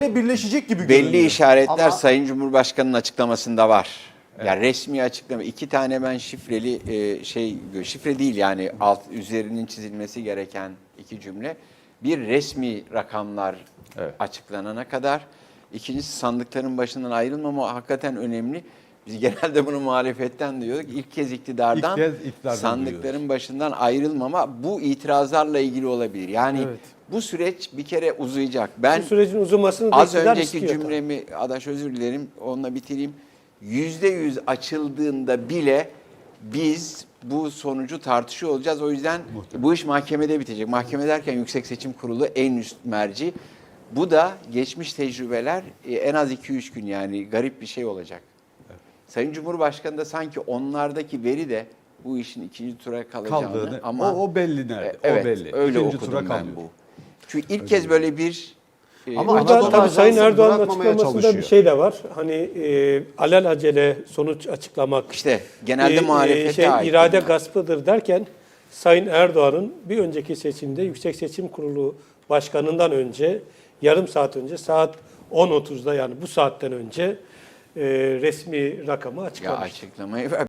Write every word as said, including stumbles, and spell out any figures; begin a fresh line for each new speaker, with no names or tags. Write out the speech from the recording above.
birleşecek gibi görünüyor.
Belli işaretler
Ama
Sayın Cumhurbaşkanı'nın açıklamasında var. Evet. Yani resmi açıklama. İki tane ben şifreli e, şey, şifre değil yani alt üzerinin çizilmesi gereken iki cümle. Bir resmi rakamlar evet. açıklanana kadar. İkincisi sandıkların başından ayrılmama hakikaten önemli. Biz genelde bunu muhalefetten diyorduk. İlk kez iktidardan, İlk kez sandıkların duyuyoruz. başından ayrılmama bu itirazlarla ilgili olabilir. Yani evet. bu süreç bir kere uzayacak. Ben
bu sürecin uzamasını da
az önceki
istiyor,
cümlemi, tabii. Adaş özür dilerim, onunla bitireyim. Yüzde yüz açıldığında bile biz bu sonucu tartışıyor olacağız. O yüzden Muhtemelen. bu iş mahkemede bitecek. Mahkeme derken Yüksek Seçim Kurulu en üst merci. Bu da geçmiş tecrübeler en az iki üç gün yani garip bir şey olacak. Evet. Sayın Cumhurbaşkanı da sanki onlardaki veri de bu işin ikinci tura kalacağını
Kaldığını,
ama
o, o belli nerede?
Evet,
o belli.
Öyle
İkinci
okudum
tura
ben
kalıyor.
bu. Çünkü ilk
öyle
kez böyle bir
ama burada tabii Sayın Erdoğan'ın açıklamasında çalışıyor. bir şey de var. Hani e, alelacele sonuç açıklamak.
İşte genelde e, muhalefete
şey,
ait.
irade gaspıdır derken Sayın Erdoğan'ın bir önceki seçimde Yüksek Seçim Kurulu Başkanı'ndan önce yarım saat önce saat on otuzda yani bu saatten önce e, resmi rakamı açıklamış.
Ya açıklamayı